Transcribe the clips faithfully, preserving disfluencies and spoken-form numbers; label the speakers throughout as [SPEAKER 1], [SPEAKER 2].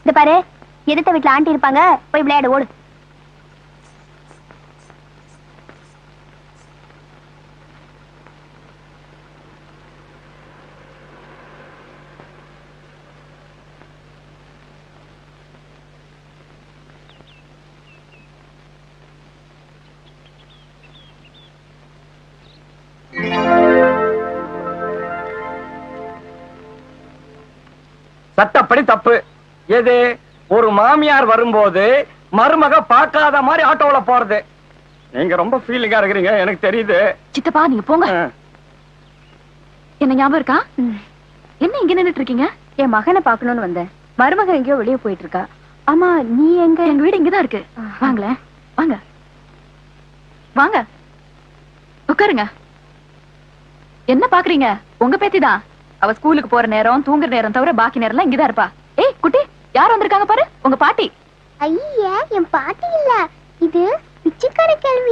[SPEAKER 1] இந்த பாரு, எதிர்த்த வீட்டுல ஆண்டி இருப்பாங்க, போய் விளையாட ஓடு.
[SPEAKER 2] சட்டப்படி தப்பு. எது? ஒரு மாமியார் வரும்போது மருமக பார்க்காத மாதிரி ஆட்டோல போறது. நீங்க ரொம்ப ஃபீலிங்கா இருக்கிறீங்க, எனக்கு தெரியுது.
[SPEAKER 3] சித்தப்பா நீங்க போங்க. என்ன ஞாபகம் இருக்கா? என்ன இங்க நின்னுட்டு இருக்கீங்க?
[SPEAKER 1] என் மகனை பாக்கணும்னு வந்தேன். மருமக எங்கேயோ வெளியே போயிட்டு இருக்கா. ஆமா, நீ எங்க?
[SPEAKER 3] எங்க வீடு இங்கதான் இருக்கு. வாங்களேன், வாங்க வாங்க உட்காருங்க. என்ன பாக்குறீங்க? உங்க பேத்திதான். அவ ஸ்கூலுக்கு போற நேரம், தூங்குற நேரம் தவிர பாக்கி நேரம் எல்லாம் இங்கதான் இருப்பா. ஏய் குட்டி, யார் வந்திருக்காங்க பாரு, உங்க பாட்டி.
[SPEAKER 1] ஐயா, என் பாட்டி இல்ல, இது பிச்சைக்கார கேள்வி.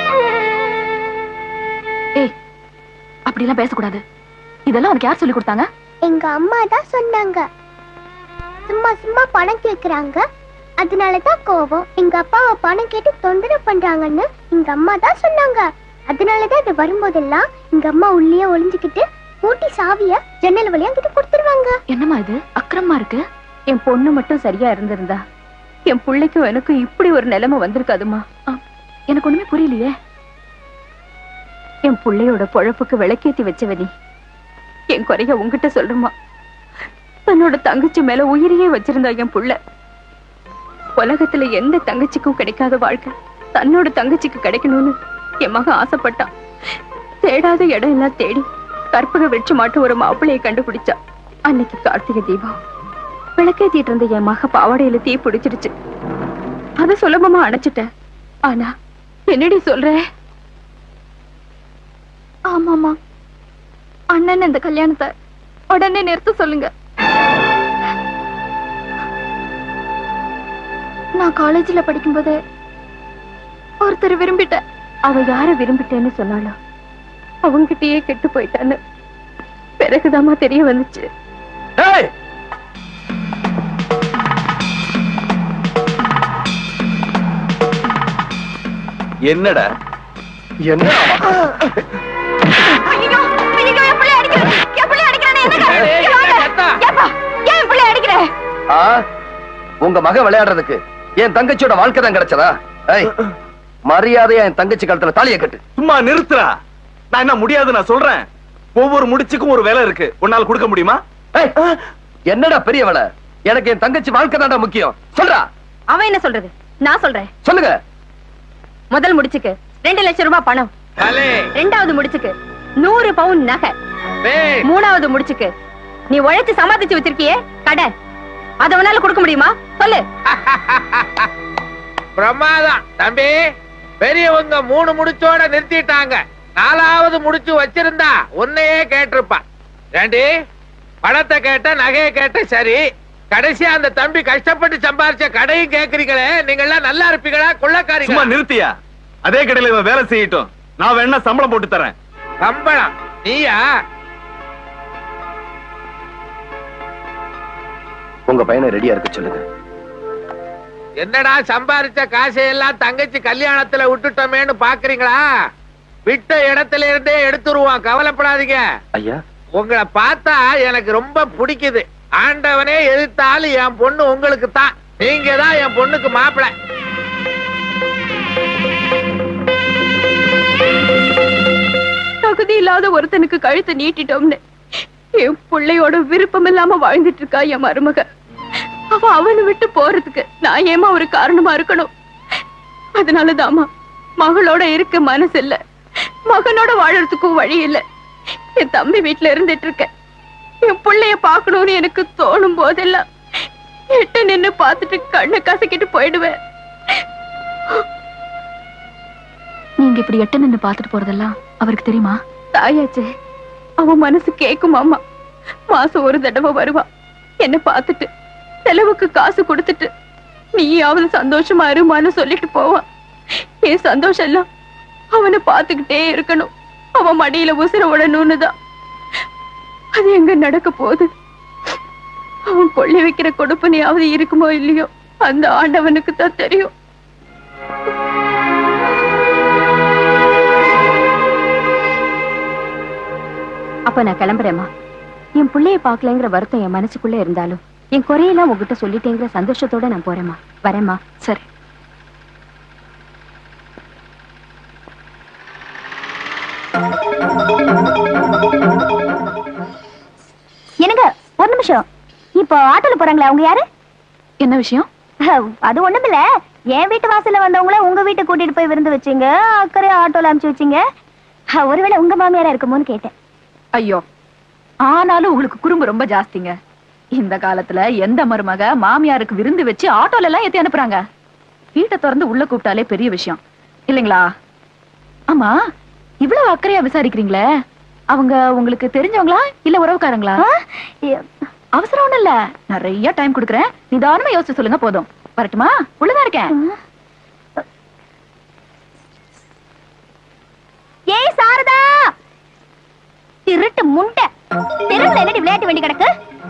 [SPEAKER 3] ஏய், அப்படி எல்லாம் பேசக்கூடாது. இதெல்லாம் உனக்கு யார் சொல்லி கொடுத்தாங்க?
[SPEAKER 1] எங்க அம்மா தான் சொன்னாங்க. சும்மா சும்மா பணம் கேக்குறாங்க, அதனாலதான் கோவம். எங்க அப்பாவை பணம் கேட்டு தொந்தரவு பண்றாங்கன்னு எங்க அம்மா தான் சொன்னாங்க. அதனாலதான் இது வரும்போதெல்லாம் எங்க அம்மா உள்ளே ஒளிஞ்சுக்கிட்டு பூட்டி சாவிய ஜன்னல் வழியா கிட்ட கொடுத்துருவாங்க.
[SPEAKER 3] என்னம்மா இது அக்கிரமா இருக்கு?
[SPEAKER 1] என் பொண்ணு மட்டும் சரியா இருந்திருந்தா என் பிள்ளைக்கும் எனக்கும் இப்படி ஒரு நிலைமை வந்திருக்காதுமா.
[SPEAKER 3] எனக்கு ஒண்ணுமே புரியலையே.
[SPEAKER 1] என் பிள்ளையோட பொழப்புக்கு விளக்கேத்தி வச்சவனி என் குறைய உங்ககிட்ட சொல்றமா. தன்னோட தங்கச்சி மேல உயிரையே வச்சிருந்தா என் புள்ள. உலகத்துல எந்த தங்கச்சிக்கும் கிடைக்காத வாழ்க்கை தன்னோட தங்கச்சிக்கு கிடைக்கணும்னு என் மகன் ஆசைப்பட்டான். தேடாத இடம் எல்லாம் தேடி கற்பக வெச்சு மாட்டும் ஒரு மாப்பிள்ளையை கண்டுபிடிச்சா. அன்னைக்கு கார்த்திகை தீபம் விளக்கேத்திட்டு இருந்த என் மக பாவாடையில தீ பிடிச்சிருச்சு. அத சுலபமா அணைச்சிட்டேன். ஆனா என்னடி சொல்ற?
[SPEAKER 3] ஆமாமா, அண்ணன் இந்த கல்யாணத்தை உடனே நிறுத்த சொல்லுங்க. நான் காலேஜ்ல படிக்கும்போது ஒருத்தர் விரும்பிட்டேன்.
[SPEAKER 1] அவ யார விரும்பிட்டேன்னு சொன்னாலும் அவங்கிட்டயே கெட்டு போயிட்டான்னு பிறகுதாமா தெரிய வந்துச்சு.
[SPEAKER 2] என்னடா என்ன? உங்க மக விளையாடுறதுக்கு என் தங்கச்சியோட வாழ்க்கை தான் கிடைச்சதா? மரியாதையா என் தங்கச்சி கழுத்துல தாலியை கட்டு. சும்மா நிறுத்துறா. நான் என்ன முடியாது நான் சொல்றேன். ஒவ்வொரு முடிச்சுக்கும் ஒரு வேலை இருக்கு. உன்னால கொடுக்க முடியுமா? என்னடா பெரிய வேலை? எனக்கு என் தங்கச்சி வாழ்க்கை தான்டா முக்கியம். சொல்றா.
[SPEAKER 1] அவன் என்ன சொல்றது? நான் சொல்றேன்.
[SPEAKER 2] சொல்லுங்க.
[SPEAKER 1] முதல் முடிச்சுக்கு ரெண்டு லட்சம் ரூபாய் பணம். ரெண்டாவது முடிச்சுக்கு நூறு பவுன் நகை. மூணாவது முடிச்சுக்கு நீ உழைச்சு சமாளிச்சு வச்சிருக்கியே கடன், அத உன்னால கொடுக்க முடியுமா? சொல்லு.
[SPEAKER 4] பிரமாதம் தம்பி. பெரியவங்க மூணு முடிச்சோட நிறுத்திட்டாங்க. நாலாவது முடிச்சு வச்சிருந்தா உன்னையே கேட்டிருப்பா. ஏண்டி பணத்தை கேட்ட, நகையை கேட்ட, சரி கடைசியா அந்த தம்பி கஷ்டப்பட்டு சம்பாரிச்ச கடையும் கேக்குறீங்களே, நீங்க எல்லாம் நல்லா இருப்பீங்களா? கொள்ளக்காரீங்களா?
[SPEAKER 2] நிறுத்தியா? அதே கடையில இவன் வேலை செய்யட்டும், நான் வேணா சம்பளம் போட்டு தரேன்.
[SPEAKER 4] சம்பளம்? நீயா?
[SPEAKER 2] உங்க பையனை ரெடியா இருக்க சொல்லுங்க.
[SPEAKER 4] என்னடா சம்பாரிச்ச காசையெல்லாம் தங்கச்சி கல்யாணத்துல விட்டுட்டோமேன்னு பாக்குறீங்களா? விட்ட இடத்துல இருந்தே எடுத்துருவான், கவலைப்படாதீங்க.
[SPEAKER 2] ஐயா,
[SPEAKER 4] உங்களை பார்த்தா எனக்கு ரொம்ப பிடிக்குது. ஆண்டவனே எதிர்த்தாலும் என் பொண்ணு உங்களுக்கு தான். நீங்க தான் என் பொண்ணுக்கு மாப்பிள்ளை.
[SPEAKER 1] தகுதி இல்லாத ஒருத்தனுக்கு கழுத்தை நீட்டிட்டோம்னு என் பிள்ளையோட விருப்பம் இல்லாம வாழ்ந்துட்டு இருக்கா என் மருமக. அவ அவனை விட்டு போறதுக்கு நான் ஏமா ஒரு காரணமா இருக்கணும்? அதனாலதாமா மகளோட இருக்க மனசு இல்ல, மகனோட வாழறதுக்கும் வழி இல்ல. என் தம்பி வீட்டுல இருந்துட்டு இருக்க. என் பிள்ளைய பாக்கணும்னு எனக்கு தோணும் போதெல்லாம் எட்ட நின்னு பாத்துட்டு கண்ணை கசக்கிட்டு போயிடுவேன்.
[SPEAKER 3] நீங்க இப்படி எட்ட நின்னு பாத்துட்டு போறதெல்லாம் அவருக்கு தெரியுமா?
[SPEAKER 1] தாயாச்சே, அவன் மனசு கேக்குமாமா. மாசம் ஒரு தடவை வருவா, என்ன பாத்துட்டு செலவுக்கு காசு கொடுத்துட்டு நீயாவது சந்தோஷமா இருமான்னு சொல்லிட்டு போவான். என் சந்தோஷம் எல்லாம் அவனை பாத்துக்கிட்டே இருக்கணும், அவன் மடியில உசுர விடணும்னு தான். அது எங்க நடக்க போகுது? அவன் கொள்ளி வைக்கிற கொடுப்பனையாவது இருக்குமோ இல்லையோ அந்த ஆண்டவனுக்கு தான் தெரியும். அப்ப நான் கிளம்புறேம்மா. என் பிள்ளைய பாக்கலங்கிற வருத்தம் என் மனசுக்குள்ள இருந்தாலும் என் குறையெல்லாம் உங்ககிட்ட சொல்லிட்டேங்கிற சந்தோஷத்தோட நான் போறேம்மா. வரேம்மா.
[SPEAKER 3] சரி.
[SPEAKER 1] என்னங்க ஒரு நிமிஷம். இப்போ ஆட்டோல போறாங்களா அவங்க யாரு?
[SPEAKER 3] என்ன விஷயம்?
[SPEAKER 1] அது ஒண்ணுமில்ல, என் வீட்டு வாசல்ல வந்தவங்கள உங்க வீட்டை கூட்டிட்டு போய் விருந்து வச்சீங்க, அக்கறை ஆட்டோல அனுப்பிச்சு வச்சீங்க. ஒருவேளை உங்க மாமியாரா இருக்குமோன்னு கேட்டேன்.
[SPEAKER 3] ஐயோ, ஆனாலும் உங்களுக்கு குறும்பு ரொம்ப ஜாஸ்திங்க. இந்த காலத்துல எந்த மருமக மாமியாருக்கு விருந்து வச்சு ஆட்டோல எல்லாம் ஏத்தி அனுப்புறாங்க? வீட்டை திறந்து உள்ள கூப்பிட்டாலே பெரிய விஷயம் இல்லைங்களா? ஆமா, இவ்வளவு அக்கறையா விசாரிக்கிறீங்களே, அவங்க உங்களுக்கு தெரிஞ்சவங்களா இல்ல உறவுக்காரங்களா? அவசரம் ஒண்ணு இல்ல, நிறைய டைம் கொடுக்குறேன், நிதானமா யோசிச்சு சொல்லுங்க. போதும். வரட்டுமா? உள்ளதான் இருக்கேன்.
[SPEAKER 1] ஏய் சாரதா, திருட்டு முண்டை, தெருவுல என்னடி விளையாட்டு வேண்டி கிடக்கு?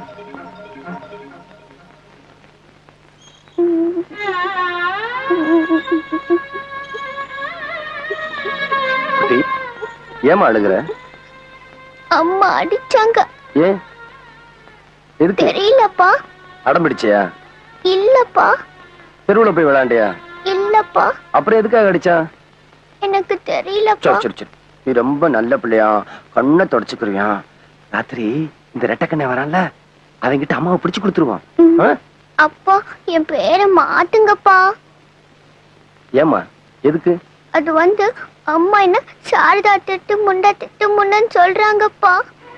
[SPEAKER 2] ஏமா அழுகுற?
[SPEAKER 5] அம்மா அடிச்சாங்க.
[SPEAKER 2] ஏன்? எதுக்கு?
[SPEAKER 5] தெரியலப்பா.
[SPEAKER 2] அடம் பிடிச்சியா?
[SPEAKER 5] இல்லப்பா.
[SPEAKER 2] தெருவுல போய் விளையாண்டியா?
[SPEAKER 5] இல்லப்பா.
[SPEAKER 2] அப்புறம் எதுக்காக அடிச்சா?
[SPEAKER 5] எனக்கு தெரியலப்பா.
[SPEAKER 2] சரி சரி, நீ ரொம்ப நல்ல பிள்ளையா, கண்ணை தொடச்சுக்கிறியா. ராத்திரி இந்த ரெட்டக்கண்ணை வரான்ல, அவங்கிட்ட அம்மாவை பிடிச்சு கொடுத்துருவான்.
[SPEAKER 5] அப்பா, என் பேரை மாத்துங்கப்பா.
[SPEAKER 2] ஏமா? எதுக்கு?
[SPEAKER 5] அது வந்து அம்மா என்ன சாரதா திட்டு முண்டா திட்டு முண்டன்னு சொல்றாங்கப்பா.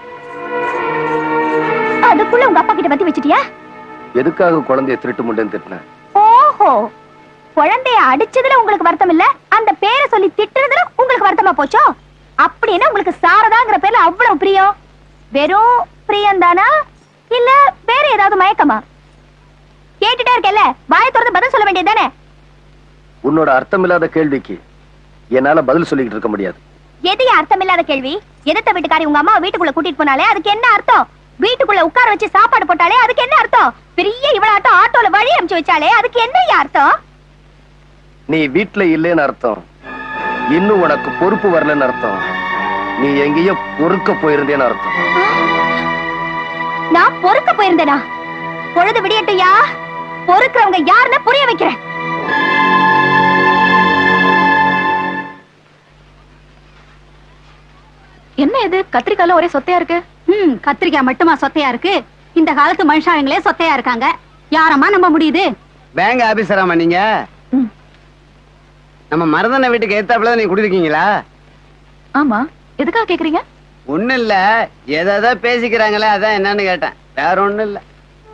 [SPEAKER 1] அதுக்குள்ள உங்க அப்பா கிட்ட பத்தி வச்சிட்டியா?
[SPEAKER 2] எதுக்காக குழந்தைய திருட்டு முண்டன்னு திட்டின?
[SPEAKER 1] ஓஹோ, குழந்தைய அடிச்சதுல உங்களுக்கு வருத்தம் இல்ல, அந்த பேரை சொல்லி திட்டுறதுல உங்களுக்கு வருத்தமா போச்சோ? அப்படின்னா உங்களுக்கு சாரதாங்கிற பேர்ல அவ்வளவு பிரியம். வெறும் பிரியம் தானா இல்ல வேற ஏதாவது மயக்கமா? கேட்டுட்டே இருக்கல, வாயை திறந்து பதில் சொல்ல வேண்டியதுதானே?
[SPEAKER 2] உன்னோட அர்த்தமில்லாத கேள்விக்கு என்னால பதில் சொல்லிக்கிட்டு இருக்க முடியாது.
[SPEAKER 1] எது அர்த்தமில்லாத கேள்வி? எதிர்த்த வீட்டுக்காரி உங்க அம்மா வீட்டுக்குள்ள கூட்டிட்டு போனாலே அதுக்கு என்ன அர்த்தம்? வீட்டுக்குள்ள உட்கார வச்சு சாப்பாடு போட்டாலே அதுக்கு என்ன அர்த்தம்? பெரிய இவளாட்டம் ஆட்டோல வழி அனுப்பிச்சு வச்சாலே அதுக்கு என்ன அர்த்தம்?
[SPEAKER 2] நீ வீட்டுல இல்லைன்னு அர்த்தம், இன்னும் உனக்கு பொறுப்பு வரலன்னு அர்த்தம், நீ எங்கேயோ பொறுக்க போயிருந்தேன்னு அர்த்தம்.
[SPEAKER 1] நான் பொறுக்க போயிருந்தேனா? பொழுது விடியட்டுயா, பொறுக்கிறவங்க யாருன்னு புரிய வைக்கிறேன்.
[SPEAKER 3] என்ன இது கத்திரிக்கால ஒரே சொத்தையா இருக்கு?
[SPEAKER 1] ம், கத்திரிக்காய் மட்டுமா சொத்தையா இருக்கு? இந்த காலத்து மனுஷாங்களே சொத்தையா இருக்காங்க. யாரம்மா நம்ப முடியுது?
[SPEAKER 6] பேங்க் ஆபீசராமா நீங்க? நம்ம மருதன வீட்டுக்கு ஏத்தாப்புல நீங்க குடியிருக்கீங்களா?
[SPEAKER 3] ஆமா, எதுக்காக கேக்குறீங்க?
[SPEAKER 6] ஒண்ணு இல்ல, ஏதாவது பேசிக்கிறாங்களே அதான் என்னன்னு கேட்டேன், வேற ஒண்ணு இல்ல.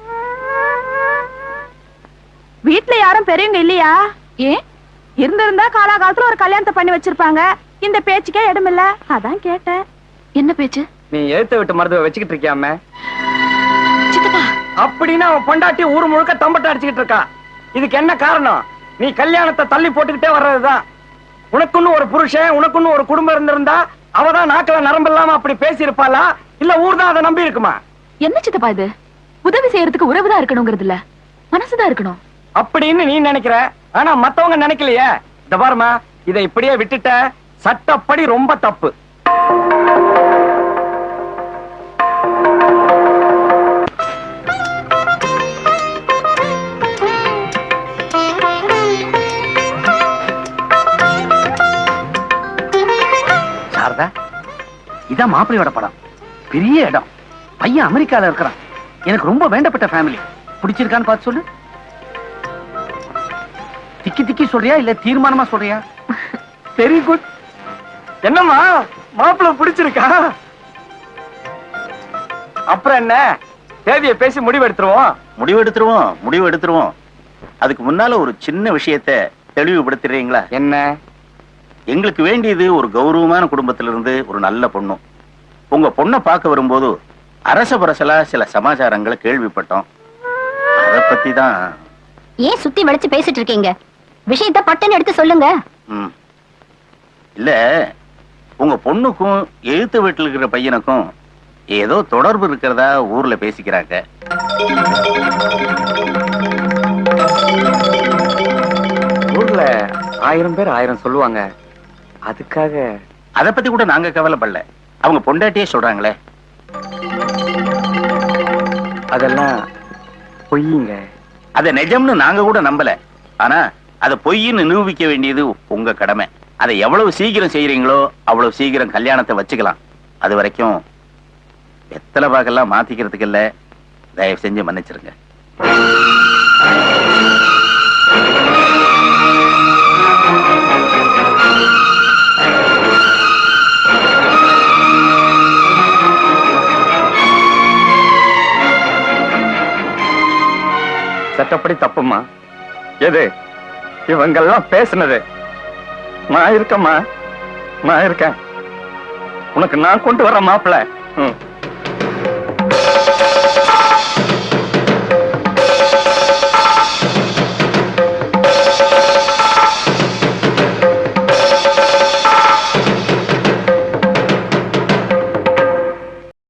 [SPEAKER 1] வீட்டுல யாரும் பெரியவங்க இல்லையா?
[SPEAKER 3] ஏன்?
[SPEAKER 1] இருந்திருந்தா காலாகாலத்துல ஒரு கல்யாணத்தை பண்ணி வச்சிருப்பாங்க. இந்த பேச்சுக்கே இடமில்ல, அதான் கேட்டேன்.
[SPEAKER 3] என்ன பேச்சு?
[SPEAKER 6] நீ எழுத்த விட்டு மருத்துவ வச்சுக்கிட்டு இருக்கியாம?
[SPEAKER 3] சித்தப்பா,
[SPEAKER 6] அப்படின்னா அவன் பொண்டாட்டி ஊர் முழுக்க தம்பட்ட அடிச்சுக்கிட்டு இருக்கா. இதுக்கு என்ன காரணம்? நீ கல்யாணத்தை தள்ளி போட்டுக்கிட்டே வர்றதுதான். உனக்குன்னு ஒரு புருஷன், உனக்குன்னு ஒரு குடும்பம் இருந்திருந்தா அவதான் நாக்கில நரம்பு இல்லாம அப்படி பேசி இருப்பாளா, இல்ல ஊர் தான் அதை நம்பி இருக்குமா?
[SPEAKER 3] என்ன சித்தப்பா இது? உதவி செய்யறதுக்கு உறவுதான் இருக்கணுங்கிறது இல்ல, மனசுதான் இருக்கணும்
[SPEAKER 6] அப்படின்னு நீ நினைக்கிற, ஆனா மத்தவங்க நினைக்கலையே. இந்த பாருமா, இதை இப்படியே விட்டுட்ட சட்டப்படி ரொம்ப தப்பு.
[SPEAKER 2] சாரதா, இதான் மாப்பிள்ளையோட படம். பெரிய இடம், பையன் அமெரிக்கால இருக்கிறான். எனக்கு ரொம்ப வேண்டப்பட்ட ஃபேமிலி. பிடிச்சிருக்கான்னு பார்த்து சொல்லு. திக்கி திக்கி சொல்றியா இல்ல தீர்மானமா சொல்றியா?
[SPEAKER 6] Very good. என்னம்மா, மாப்பிள்ளை பிடிச்சிருக்கா? அப்புறம் என்ன, தேதியை பேசி முடிவு எடுத்துருவோம்.
[SPEAKER 7] முடிவு எடுத்துருவோம் முடிவு எடுத்துருவோம் அதுக்கு முன்னால ஒரு சின்ன விஷயத்தை தெளிவுபடுத்துறீங்களா?
[SPEAKER 6] என்ன?
[SPEAKER 7] எங்களுக்கு வேண்டியது ஒரு கௌரவமான குடும்பத்திலிருந்து ஒரு நல்ல பொண்ணு. உங்க பொண்ணை பார்க்க வரும்போது அரச பரசலா சில சமாச்சாரங்களை கேள்விப்பட்டோம். அத பத்தி தான்.
[SPEAKER 1] ஏன் சுத்தி வளைச்சு பேசிட்டு இருக்கீங்க? விஷயத்தை பட்டுன்னு எடுத்து சொல்லுங்க.
[SPEAKER 7] ம். இல்ல, உங்க பொண்ணுக்கும் எழுத்து வீட்டில் இருக்கிற பையனுக்கும் ஏதோ தொடர்பு இருக்கிறதா ஊர்ல பேசிக்கிறாங்க.
[SPEAKER 6] ஊர்ல ஆயிரம் பேர் ஆயிரம் சொல்லுவாங்க. அதுக்காக
[SPEAKER 7] அத பத்தி கூட நாங்க கவலைப்படல. அவங்க பொண்டாட்டியே சொல்றாங்களே.
[SPEAKER 6] அதெல்லாம் பொய்யுங்க.
[SPEAKER 7] அத நிஜம்னு நாங்க கூட நம்பல. ஆனா அத பொய்ன்னு நிரூபிக்க வேண்டியது உங்க கடமை. அதை எவ்வளவு சீக்கிரம் செய்யறீங்களோ அவ்வளவு சீக்கிரம் கல்யாணத்தை வச்சுக்கலாம். அது வரைக்கும் வெத்தலை பாக்கெல்லாம் மாத்திக்கிறதுக்கு இல்ல. தயவு செஞ்சு மன்னிச்சிருங்க.
[SPEAKER 6] சட்டப்படி தப்புமா? எது இவங்கெல்லாம் பேசுனது? நான் இருக்கேம்மா, நான் இருக்கேன். உனக்கு நான் கொண்டு வர மாப்பிள்ள.